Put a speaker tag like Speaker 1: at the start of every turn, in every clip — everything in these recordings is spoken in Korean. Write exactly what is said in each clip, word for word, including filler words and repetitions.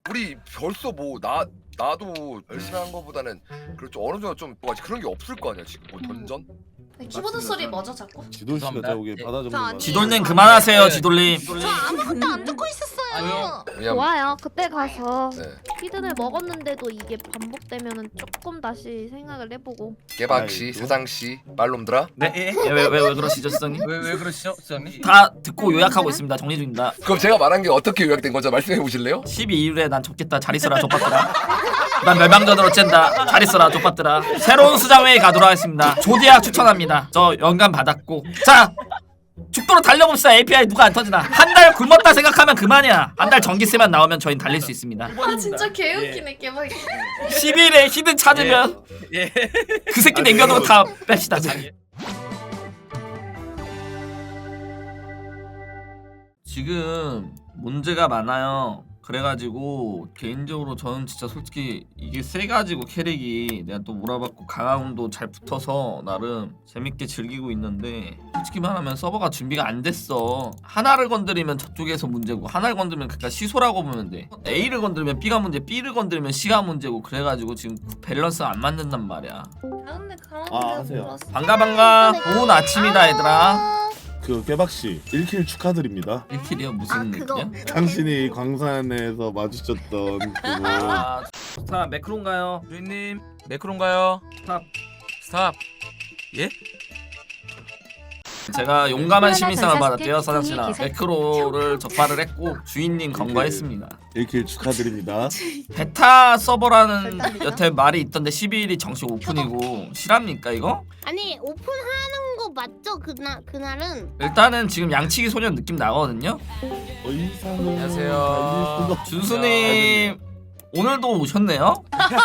Speaker 1: 우리 벌써 뭐 나 나도 열심히 한 거보다는 그렇죠. 어느 정도 좀 뭐가 그런 게 없을 거 아니야 지금 뭐 던전?
Speaker 2: 키보드 소리 뭐죠 자꾸?
Speaker 3: 지돌 씨가 저기 받아 적는 거.
Speaker 4: 지돌님 그만하세요 지돌님.
Speaker 2: 저 아무것도 안 듣고 있었어요.
Speaker 1: 왜냐면
Speaker 5: 좋아요. 그때 가서
Speaker 1: 네.
Speaker 5: 피드를 먹었는데도 이게 반복되면은 조금 다시 생각을 해보고.
Speaker 1: 깨박씨,
Speaker 3: 아이고.
Speaker 1: 사장씨, 말놈들아.
Speaker 4: 네? 왜 왜 왜 그러시죠 수장님?
Speaker 6: 왜 왜 그러시죠, 수장님?
Speaker 4: 다 듣고 요약하고 있습니다. 정리 중입니다.
Speaker 1: 그럼 제가 말한 게 어떻게 요약된 건지 말씀해 보실래요?
Speaker 4: 십이 일에 난 좁겠다. 잘 있어라 족밥들아. 난 멸망전으로 쨘다. 잘 있어라 족밥들아. 새로운 수장회에 가도록 하겠습니다. 조디악 추천합니다. 저 영감 받았고. 자 죽도록 달려봅시다. 에이피아이 누가 안 터지나. 한 달 굶었다 생각하면 그만이야. 한 달 전기세만 나오면 저희는 달릴 수 있습니다.
Speaker 2: 아 진짜 개웃기네 개박이.
Speaker 4: 십일 일에 히든 찾으면
Speaker 6: 예.
Speaker 4: 그 새끼 남겨놓고 다 뺍시다. 자. 지금 문제가 많아요. 그래가지고 개인적으로 저는 진짜 솔직히 이게 세가지고 캐릭이 내가 또 몰아받고 강화운도 잘 붙어서 나름 재밌게 즐기고 있는데 솔직히 말하면 서버가 준비가 안 됐어. 하나를 건드리면 저쪽에서 문제고 하나를 건드리면 그러니까 시소라고 보면 돼. A를 건드리면 B가 문제, B를 건드리면 C가 문제고 그래가지고 지금 밸런스가 안 맞는단 말이야.
Speaker 2: 가운데 가운데
Speaker 3: 아, 하세요.
Speaker 2: 물었어.
Speaker 4: 반가 반가. 좋은 아침이다 얘들아.
Speaker 3: 그 깨박 씨 일 킬 축하드립니다.
Speaker 4: 일 킬이요? 무슨
Speaker 2: 아, 그거.
Speaker 4: 일이야?
Speaker 3: 당신이 광산에서 마주쳤던 그거.
Speaker 4: 아, 스타 매크로인가요?
Speaker 6: 주인님 매크로인가요?
Speaker 4: 스탑.
Speaker 6: 스탑. 예?
Speaker 4: 제가 용감한 시민상을 받았대요 사장씨랑. 매크로를 적발을 했고 주인님 검거했습니다.
Speaker 3: 일 킬 축하드립니다.
Speaker 4: 베타 서버라는 여태 말이 있던데 십이 일이 정식 오픈이고 실합니까 이거?
Speaker 7: 아니 오픈하는 거 맞죠? 그날 그날은
Speaker 4: 일단은 지금 양치기 소년 느낌 나거든요.
Speaker 3: 더 이상은
Speaker 6: 안녕하세요.
Speaker 3: 달릴 수가 없-
Speaker 4: 준수님 오늘도 오셨네요.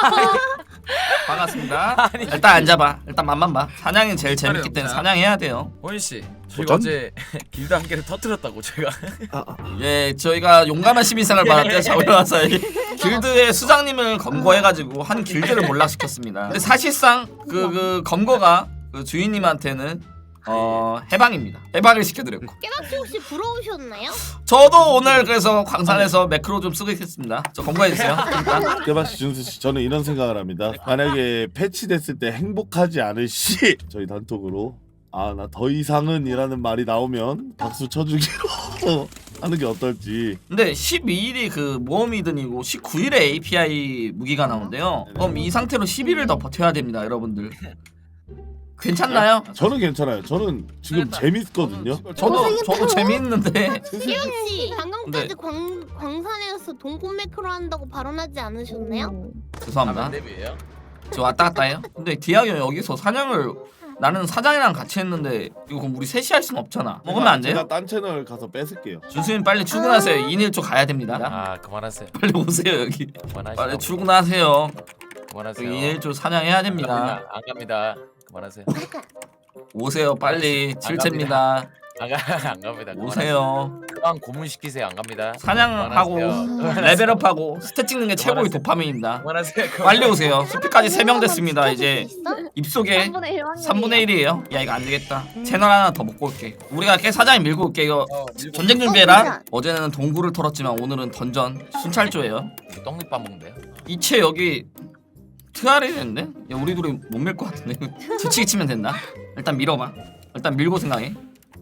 Speaker 4: 반갑습니다. 일단 앉아봐. 일단 맛만 봐. 사냥이 제일 재밌기 때문에 사냥해야 돼요.
Speaker 6: 호인 씨, 저희가
Speaker 3: 도전?
Speaker 6: 어제 길드 한 개를 터뜨렸다고 제가.
Speaker 3: 아, 아.
Speaker 4: 예, 저희가 용감한 시민상을 받았대요. 자원화사 길드의 수장님을 검거해가지고 한 길드를 몰락시켰습니다. 근데 사실상 그, 그 검거가 그 주인님한테는 어 해방입니다. 해방을 시켜드렸고.
Speaker 7: 깨박씨 혹시 부러우셨나요?
Speaker 4: 저도 오늘 그래서 광산에서 매크로 좀 쓰고 있겠습니다. 저 검거해주세요. 일단.
Speaker 3: 깨박 씨, 준수 씨, 저는 이런 생각을 합니다. 만약에 패치됐을 때 행복하지 않을 시 저희 단톡으로 아 나 더 이상은이라는 말이 나오면 박수 쳐주기로 하는 게 어떨지.
Speaker 4: 근데 십이 일이 그 모험이든이고 십구 일에 에이피아이 무기가 나온대요. 그럼 이 상태로 십 일을 더 버텨야 됩니다, 여러분들. 괜찮나요?
Speaker 3: 저는 괜찮아요. 저는 지금 재밌거든요.
Speaker 4: 저도 저도 재밌는데.
Speaker 7: 깨박씨 방금까지
Speaker 4: 네.
Speaker 7: 광 광산에서 동꽃 매크로 한다고 발언하지 않으셨나요?
Speaker 4: 죄송합니다.
Speaker 6: 랩이에요?
Speaker 4: 저 왔다 갔다 해요. 근데 디아이 형 여기서 사냥을 나는 사장이랑 같이 했는데 이거 그럼 우리 셋이 할 순 없잖아. 먹으면 안 돼요?
Speaker 3: 제가 딴 채널 가서 뺏을게요.
Speaker 4: 준수님 빨리 출근하세요. 이일초 가야 됩니다.
Speaker 6: 아 그만하세요.
Speaker 4: 빨리 오세요 여기.
Speaker 6: 그만하시고.
Speaker 4: 빨리 출근하세요.
Speaker 6: 그만하세요.
Speaker 4: 이일초 사냥해야 됩니다.
Speaker 6: 안 갑니다. 그만하세요.
Speaker 4: 오세요 빨리. 칠채입니다.
Speaker 6: 안 가, 안 갑니다.
Speaker 4: 오세요.
Speaker 6: 그만 고문 시키세요. 안 갑니다.
Speaker 4: 사냥하고
Speaker 6: 그만하세요.
Speaker 4: 레벨업하고 스탯 찍는 게 최고의
Speaker 6: 그만하세요.
Speaker 4: 도파민입니다.
Speaker 6: 그만하세요.
Speaker 4: 빨리 오세요. 스피까지 세 명 됐습니다. 이제 입속에
Speaker 5: 삼분의 일 확률이에요.
Speaker 4: 삼분의 일이에요. 야 이거 안 되겠다. 채널 하나 더 먹고 올게. 우리가 깨 사장이 밀고 올게. 이거
Speaker 6: 어, 밀고
Speaker 4: 전쟁 준비해라. 어제는 동굴을 털었지만 오늘은 던전 순찰조예요.
Speaker 6: 떡잎밥 먹는데요.
Speaker 4: 이채 여기 트알이 됐는데? 야 우리 둘이 못 밀 것 같은데. 뒤치기 치면 된다. 일단 밀어봐. 일단 밀고 생각해.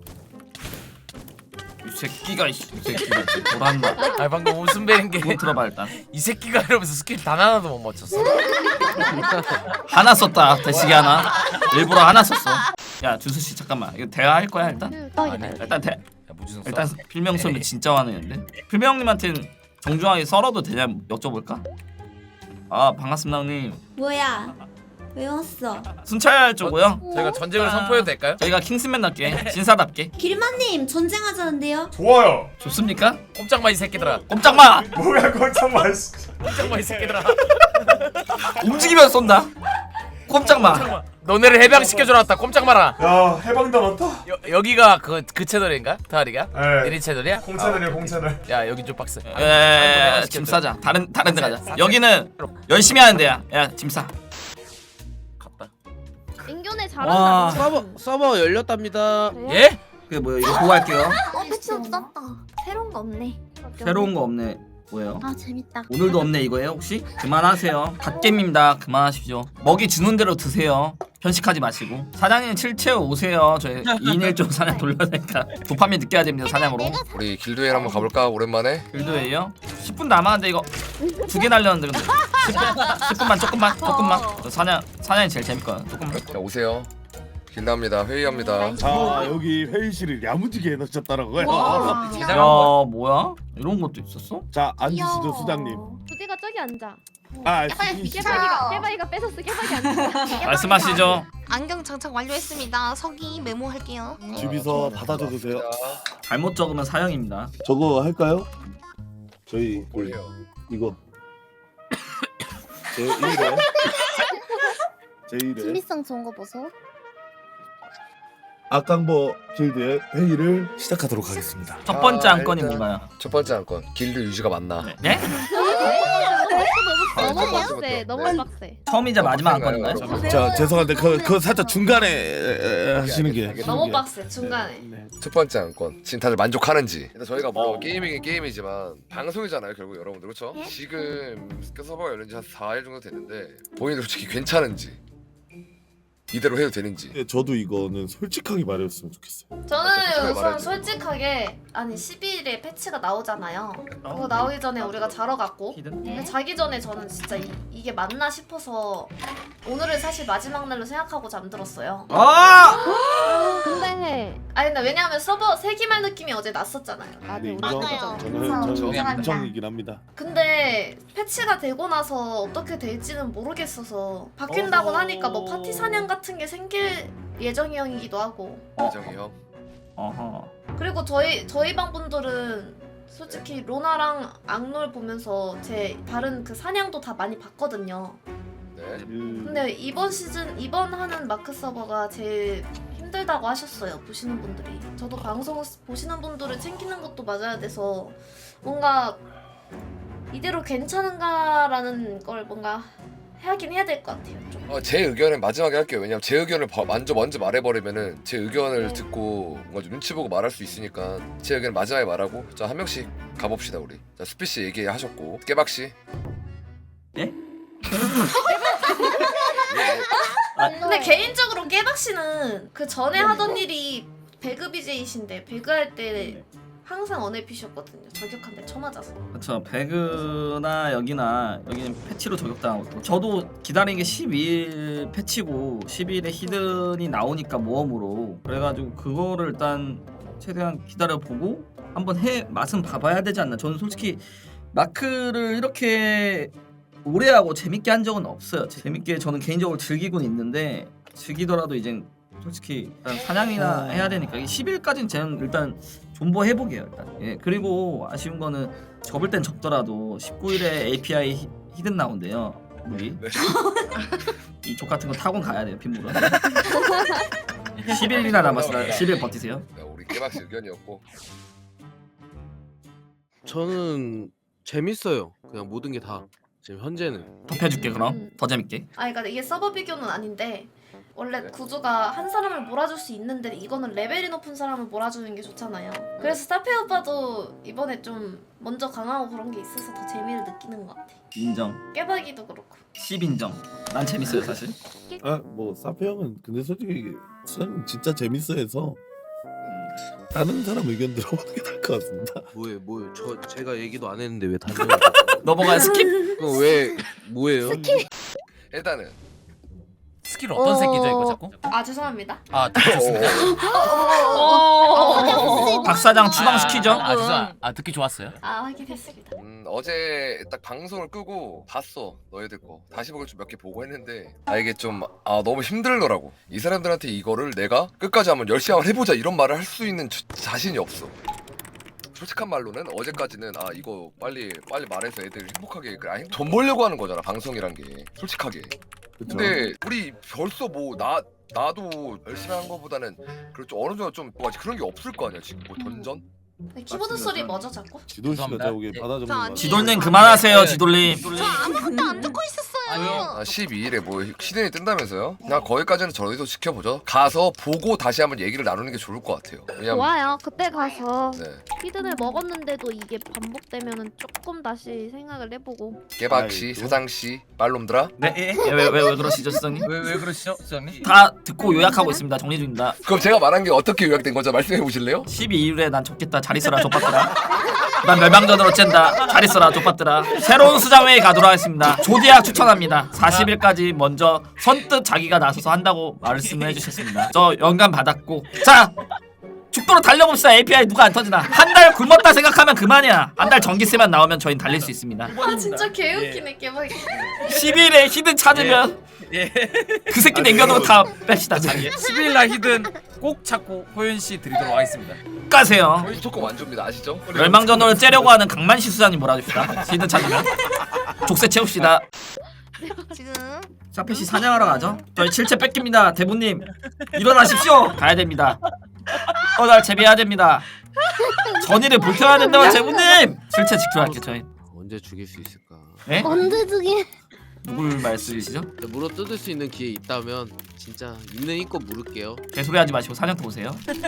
Speaker 4: 이 새끼가 이 새끼가 돌았나.
Speaker 6: 아 방금 웃음 베린 게
Speaker 4: 이거 들어봐 일단.
Speaker 6: 이 새끼가 이러면서 스킬 단 하나도 못 맞췄어.
Speaker 4: 하나 썼다. 대시기 하나. 일부러 하나 썼어. 야 준수씨 잠깐만. 이거 대화할 거야 일단?
Speaker 6: 아니,
Speaker 4: 일단 대
Speaker 6: 야, 무슨
Speaker 4: 일단 필명 소리 진짜 화내는데? 필명님한테는 정중하게 썰어도 되냐 여쭤볼까? 아 반갑습니다 형님.
Speaker 8: 뭐야? 왜 왔어?
Speaker 4: 순찰 쪽고요.
Speaker 6: 저희가 전쟁을 선포해도 될까요?
Speaker 4: 저희가 킹스맨답게 신사답게
Speaker 8: 길마님 전쟁하자는데요?
Speaker 9: 좋아요.
Speaker 4: 좋습니까?
Speaker 6: 꼼짝마 이 새끼들아.
Speaker 4: 꼼짝마!
Speaker 9: 뭐야 꼼짝마. 씨.
Speaker 6: 꼼짝마 이 새끼들아.
Speaker 4: 움직이면 쏜다. 꼼짝마.
Speaker 6: 너네를 해방시켜줘 놨다. 꼼짝 마라.
Speaker 9: 야 해방다 많다.
Speaker 6: 여, 여기가 그 그 채널인가? 타리가?
Speaker 9: 네.
Speaker 6: 내리 채널이야?
Speaker 9: 공채널이야
Speaker 6: 아,
Speaker 9: 공채널.
Speaker 6: 야 여기 좀 빡세.
Speaker 4: 에, 짐 싸자. 다른 다른 데 가자. 여기는 열심히 하는 데야. 야, 짐 싸.
Speaker 6: 갔다.
Speaker 5: 인견에
Speaker 4: 와.
Speaker 5: 잘한다.
Speaker 10: 서버 서버 열렸답니다.
Speaker 6: 예?
Speaker 4: 그게 뭐야? 이거 보고 할게요.
Speaker 2: 어 패치 없었다. 새로운 거 없네.
Speaker 4: 새로운 거 없네. 뭐예요?
Speaker 7: 아 재밌다.
Speaker 4: 오늘도 없네 이거예요 혹시? 그만하세요. 갓겜입니다. 그만하십시오. 먹이 주는 대로 드세요. 편식하지 마시고. 사장님 칠채우 오세요. 저희 이 인 일 조 사냥 돌려야 되니까 도파민 느껴야 됩니다 사냥으로.
Speaker 1: 우리 길드웨이 한번 가볼까 오랜만에?
Speaker 4: 길드웨이요? 십 분 남았는데 이거 두 개 날렸는데 근데 십 분, 십 분만 조금만 조금만 저 사냥 사냥이 제일 재밌거든 조금만.
Speaker 1: 자 오세요. 길드합니다. 회의합니다.
Speaker 3: 자 여기 회의실을 야무지게 해놓으셨다라고요.
Speaker 2: 와.
Speaker 4: 야 뭐야? 이런 것도 있었어?
Speaker 3: 자 앉으시죠 수장님.
Speaker 5: 두디가 저기 앉아.
Speaker 3: 아
Speaker 2: 깨박이,
Speaker 3: 수기 씨.
Speaker 5: 깨박이가 깨박이가 뺏었어. 깨박이 앉아.
Speaker 4: 말씀하시죠.
Speaker 2: 안경 장착 완료했습니다. 서기 메모할게요.
Speaker 3: 주비서 받아줘 주세요.
Speaker 4: 잘못 적으면 사형입니다.
Speaker 3: 저거 할까요? 저희 그
Speaker 1: 뭘해요?
Speaker 3: 이거 제 일 회 제 일 회
Speaker 7: 준비성 좋은 거 보소.
Speaker 3: 악강보 길드의 회의를 시작하도록 하겠습니다.
Speaker 4: 첫 번째
Speaker 1: 아,
Speaker 4: 안건이
Speaker 1: 일단-
Speaker 4: 뭔가요?
Speaker 1: 첫 번째 안건 길드 유지가 맞나?
Speaker 4: 네?
Speaker 1: 아,
Speaker 5: 너무
Speaker 1: 첫
Speaker 5: 빡세.
Speaker 1: 번째부터.
Speaker 5: 너무
Speaker 1: 네.
Speaker 5: 빡세.
Speaker 4: 처음이자
Speaker 1: 어,
Speaker 4: 마지막
Speaker 1: 빡센가요,
Speaker 4: 안건인가요?
Speaker 1: 여러분?
Speaker 3: 자 죄송한데 그, 그 살짝 중간에 에, 에, 하시는 게
Speaker 1: 알겠습니다.
Speaker 2: 너무 빡세 중간에.
Speaker 3: 네.
Speaker 1: 첫 번째 안건 지금 다들 만족하는지. 일단 저희가 뭐
Speaker 3: 어.
Speaker 1: 게이밍이 게임이지만 방송이잖아요 결국 여러분들 그렇죠? 지금 그 서버가 열린 지 한 사 일 정도 됐는데 본인들 솔직히 괜찮은지 이대로 해도 되는지.
Speaker 3: 네, 저도 이거는 솔직하게 말했으면 좋겠어요.
Speaker 2: 저는
Speaker 1: 솔직하게
Speaker 2: 우선
Speaker 1: 말해야지.
Speaker 2: 솔직하게 아니 십이 일에 패치가 나오잖아요. 그거 나오기 전에 우리가 자러 갔고
Speaker 4: 히든?
Speaker 2: 근데 자기 전에 저는 진짜 이, 이게 맞나 싶어서 오늘을 사실 마지막 날로 생각하고 잠들었어요.
Speaker 4: 아!
Speaker 5: 근데
Speaker 2: 아니 근데 왜냐하면 서버 세기말 느낌이 어제 났었잖아요.
Speaker 5: 아,
Speaker 3: 네,
Speaker 5: 네,
Speaker 3: 인정.
Speaker 7: 맞아요.
Speaker 3: 저는
Speaker 2: 그래서
Speaker 3: 저는
Speaker 2: 인정합니다.
Speaker 3: 인정이긴 합니다.
Speaker 2: 근데 패치가 되고 나서 어떻게 될지는 모르겠어서 바뀐다고
Speaker 3: 어.
Speaker 2: 하니까 뭐 파티 사냥 같은 게 생길 예정이기도 하고
Speaker 1: 이정이 형.
Speaker 4: 어허.
Speaker 2: 그리고 저희 저희 방 분들은 솔직히 로나랑 악놀 보면서 제 다른 그 사냥도 다 많이 봤거든요.
Speaker 1: 네.
Speaker 3: 그,
Speaker 2: 근데 이번 시즌 이번 하는 마크 서버가 제일 힘들다고 하셨어요. 보시는 분들이. 저도 방송 보시는 분들을 챙기는 것도 맞아야 돼서 뭔가 이대로 괜찮은가라는 걸 뭔가 하긴 해야 될 것 같아요. 좀.
Speaker 1: 어, 제 의견은 마지막에 할게요. 왜냐면 제 의견을 바- 먼저 먼저 말해버리면은 제 의견을
Speaker 2: 네.
Speaker 1: 듣고 뭔가 좀 눈치 보고 말할 수 있으니까 제 의견 마지막에 말하고 자 한 명씩 가봅시다 우리. 자 수피 씨 얘기하셨고 깨박 씨.
Speaker 4: 예?
Speaker 2: 근데 개인적으로 깨박 씨는 그 전에 하던 일이 배그 비제이신데 배그 할 때 항상 언에피셨거든요. 저격한데 쳐맞아서.
Speaker 4: 그렇죠. 배그나 여기나 여기는 패치로 저격당하고 있고 저도 기다린 게 십이 일 패치고 십이 일에 히든이 나오니까 모험으로 그래가지고 그거를 일단 최대한 기다려보고 한번 해 맛은 봐봐야 되지 않나. 저는 솔직히 마크를 이렇게 오래 하고 재밌게 한 적은 없어요. 재밌게 저는 개인적으로 즐기곤 있는데 즐기더라도 이제 솔직히 일단 사냥이나 해야 되니까 이 십 일까지는 저는 일단 존버 해보게요 일단. 예 그리고 아쉬운 거는 접을 땐 접더라도 십구 일에 에이피아이 히, 히든 나온대요 우리.
Speaker 1: 네.
Speaker 4: 이족 같은 거 타고 가야 돼요 빗물은. 십 일이나 남았으니까 십 일 버티세요.
Speaker 1: 네, 우리 깨박 씨 의견이었고.
Speaker 10: 저는 재밌어요. 그냥 모든 게 다 지금 현재는.
Speaker 4: 덮여줄게 그럼 더 재밌게.
Speaker 2: 아 그러니까 이게 서버 비교는 아닌데 원래
Speaker 1: 네.
Speaker 2: 구조가 한 사람을 몰아줄 수 있는데 이거는 레벨이 높은 사람을 몰아주는 게 좋잖아요. 그래서 사페 오빠도 이번에 좀 먼저 강하고 그런 게 있어서 더 재미를 느끼는 것 같아.
Speaker 4: 인정.
Speaker 2: 깨박이도 그렇고.
Speaker 4: 십 인정. 난 재밌어요 사실.
Speaker 3: 아뭐 사페 형은 근데 솔직히 수장님 진짜 재밌어해서 다른 사람 의견 들어보는 게 나을 것 같습니다.
Speaker 10: 뭐예요, 뭐예요? 저 제가 얘기도 안 했는데 왜 다들?
Speaker 4: 넘어가 스킵.
Speaker 10: 그럼 왜 뭐예요?
Speaker 1: 일단은
Speaker 6: 스킬 어떤 새끼죠 이거 자꾸?
Speaker 2: 아 죄송합니다.
Speaker 6: 아 듣기 좋습니다.
Speaker 4: 박 사장 추방시키죠.
Speaker 6: 아, 아 죄송. 아 듣기 좋았어요.
Speaker 2: 아 확인했습니다.
Speaker 1: 음, 어제 딱 방송을 끄고 봤어 너희들 거 다시 보고 좀 몇 개 보고 했는데 아 이게 좀 아 너무 힘들더라고. 이 사람들한테 이거를 내가 끝까지 한번 열심히 한번 해보자 이런 말을 할 수 있는 자, 자신이 없어. 솔직한 말로는 어제까지는 아 이거 빨리 빨리 말해서 애들 행복하게 그래 아니, 돈 벌려고 하는 거잖아 방송이란 게 솔직하게.
Speaker 3: 그쵸?
Speaker 1: 근데 우리 벌써 뭐 나 나도 열심히 한 거보다는 그렇죠 어느 정도 좀 뭐가 그런 게 없을 거 아니야 지금 뭐 던전?
Speaker 2: 네, 키보드 소리 뭐죠 자꾸?
Speaker 3: 지돌 씨가
Speaker 6: 죄송합니다.
Speaker 3: 저기
Speaker 6: 예.
Speaker 3: 받아주는
Speaker 2: 저
Speaker 3: 거
Speaker 2: 아니-
Speaker 4: 지돌님 그만하세요 지돌님.
Speaker 7: 저 아무것도 안 듣고 있었어요.
Speaker 6: 아니요.
Speaker 1: 아, 십이 일에 뭐 시즌이 뜬다면서요? 나 거기까지는 저희도 지켜보죠. 가서 보고 다시 한번 얘기를 나누는 게 좋을 것 같아요. 왜냐면
Speaker 5: 좋아요. 그때 가서
Speaker 1: 네.
Speaker 5: 히든을 먹었는데도 이게 반복되면은 조금 다시 생각을 해보고.
Speaker 1: 깨박씨,
Speaker 3: 아이고.
Speaker 1: 사장씨, 빨놈들아.
Speaker 6: 네. 예.
Speaker 4: 왜 왜 왜 그러시죠 수장님?
Speaker 6: 왜 왜 그러시죠, 수장님?
Speaker 4: 다 듣고 요약하고 있습니다. 정리 중입니다.
Speaker 1: 그럼 제가 말한 게 어떻게 요약된 거죠? 말씀해 보실래요?
Speaker 4: 십이 일에 난 좋겠다. 잘 있어라 족밥들아. 난 멸망전으로 쨘다. 잘 있어라 족밥들아. 새로운 수장회의 가도록 하겠습니다. 조디악 추천합니다. 사십 일까지 먼저 선뜻 자기가 나서서 한다고 말씀을 해주셨습니다. 저 영감 받았고 자 죽도록 달려봅시다. 에이피아이 누가 안 터지나. 한 달 굶었다 생각하면 그만이야. 한 달 전기세만 나오면 저희는 달릴 수 있습니다.
Speaker 2: 아 진짜 개웃기네 깨박이.
Speaker 4: 십일 일에 히든 찾으면
Speaker 6: 예.
Speaker 4: 그 새끼 남겨두고 다 뺍시다. 자기
Speaker 6: 십 일 날 히든 꼭 찾고 호연 씨 드리도록 하겠습니다.
Speaker 4: 가세요.
Speaker 1: 무조건 완주입니다. 아시죠?
Speaker 4: 멸망전으로 째려고 하는 강만시 수장님 몰아줍시다. 히든 찾으면 족쇄 채웁시다.
Speaker 7: 지금
Speaker 4: 사페시 사냥하러 가죠. 저희 칠채 뺏깁니다. 대부님 일어나십시오. 가야 됩니다. 어, 날 재배해야 됩니다. 전의를 불태워야 된다고 제부님. 칠채 지켜야 할게 저희.
Speaker 10: 언제 죽일 수 있을까?
Speaker 4: 예?
Speaker 7: 언제 주게?
Speaker 4: 누굴 말씀이시죠?
Speaker 10: 물어 뜯을 수 있는 기회 있다면 진짜 있는 힘껏 물을게요.
Speaker 4: 개소리하지 마시고 사냥터 오세요.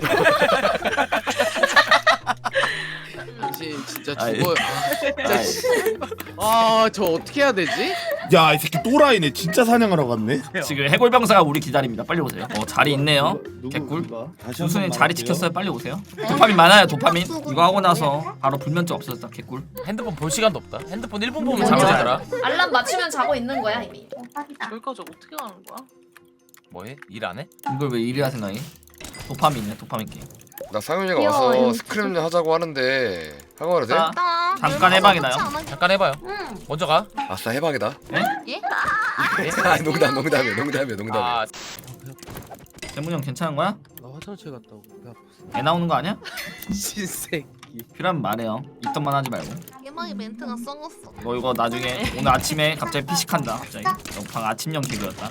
Speaker 10: 당신 진짜
Speaker 4: 아이.
Speaker 10: 죽어요. 아, 진짜. 아, 저 어떻게 해야 되지?
Speaker 3: 야 이 새끼 또라이네. 진짜 사냥하러 갔네.
Speaker 4: 지금 해골병사가 우리 기다립니다. 빨리 오세요. 어 자리 있네요.
Speaker 3: 누구,
Speaker 4: 개꿀.
Speaker 3: 누가? 다시
Speaker 4: 준수님
Speaker 3: 한번
Speaker 4: 자리
Speaker 3: 말할게요.
Speaker 4: 지켰어요. 빨리 오세요. 도파민 많아요. 도파민. 이거 하고 나서 바로 불면증 없어졌다. 개꿀.
Speaker 6: 핸드폰 볼 시간도 없다. 핸드폰 일 분 보면
Speaker 2: 음,
Speaker 6: 잠자더라.
Speaker 2: 알람 맞추면 자고 있는 거야 이미.
Speaker 11: 여기까지 어떻게 가는 거야?
Speaker 6: 뭐해? 일 안 해?
Speaker 4: 이걸 왜 이리야 생각이? 도파민이네. 도파민 게임.
Speaker 1: 나 상윤이가
Speaker 5: 귀여워,
Speaker 1: 와서
Speaker 5: 이거
Speaker 1: 스크림 하자고 하는데 하고 가도 돼?
Speaker 4: 자, 잠깐 해방이나요?
Speaker 6: 잠깐 해봐요.
Speaker 2: 응.
Speaker 6: 먼저 가.
Speaker 1: 아싸 해방이다.
Speaker 11: 예?
Speaker 1: 아 농담 농담이야 농담이야 농담이야.
Speaker 6: 아,
Speaker 4: 재문이 형 괜찮은 거야?
Speaker 10: 나 화장실 갔다 오고 배 아팠어.
Speaker 4: 애 나오는 거 아니야?
Speaker 10: 신새끼.
Speaker 4: 필요하면 말해요. 있던 만 하지 말고.
Speaker 7: 개막이 멘트가 썩었어.
Speaker 4: 너 이거 나중에 오늘 아침에 갑자기 피식한다. 갑자기. 너 방 아침형 개그였다.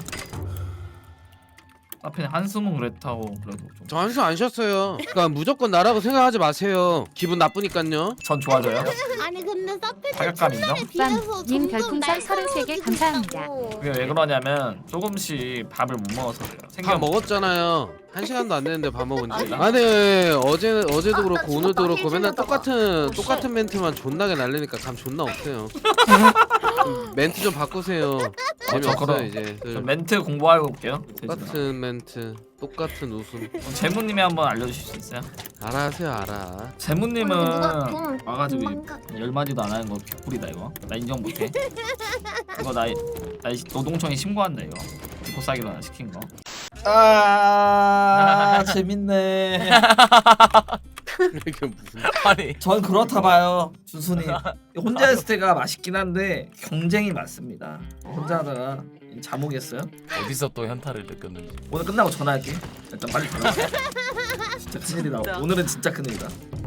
Speaker 4: 앞에 한숨은 그랬다고 그래도 좀.
Speaker 10: 저 한숨 안 쉬었어요. 그러니까 무조건 나라고 생각하지 마세요. 기분 나쁘니까요.
Speaker 4: 전 좋아져요.
Speaker 7: 아니 근데 사페
Speaker 4: 타격감 인정?
Speaker 7: 비해서
Speaker 5: 님
Speaker 7: 점점
Speaker 5: 별풍선 서른세 개 감사합니다.
Speaker 4: 그게 왜 그러냐면 조금씩 밥을 못 먹어서 그래요.
Speaker 10: 밥
Speaker 4: 생겨
Speaker 10: 먹었잖아요. 한 시간도 안 됐는데 밥 먹은 지. 아니 어제 어제도 그렇고 오늘도 그렇고 맨날 똑같은 똑같은 멘트만 존나게 날리니까 감 존나 없어요. 좀 멘트 좀 바꾸세요. 재미없어요
Speaker 4: 그럼.
Speaker 10: 이제. 그
Speaker 4: 좀 멘트 공부하고 올게요.
Speaker 10: 똑같은 멘트, 똑같은 웃음.
Speaker 4: 재무님이 한번 알려주실 수 있어요?
Speaker 10: 알아세요 알아.
Speaker 4: 재무님은
Speaker 7: 누가 돈
Speaker 4: 와가지고
Speaker 7: 도망가.
Speaker 4: 열 마디도 안 하는 거 개꿀이다 이거. 나 인정 못해. 이거 나, 나 이- 노동청에 신고한다 이거. 비포 싸기로 나 시킨 거. 아 재밌네.
Speaker 10: 이게 무슨?
Speaker 6: 아니.
Speaker 4: 전 그렇다 봐요, 준수님. 혼자 했을 때가 맛있긴 한데 경쟁이 많습니다. 혼자 하다가 잠오겠어요?
Speaker 6: 어디서 또 현타를 느꼈는지.
Speaker 4: 오늘 끝나고 전화할게. 일단 빨리 전화. 진짜 큰일이다. 오늘은 진짜 큰일이다.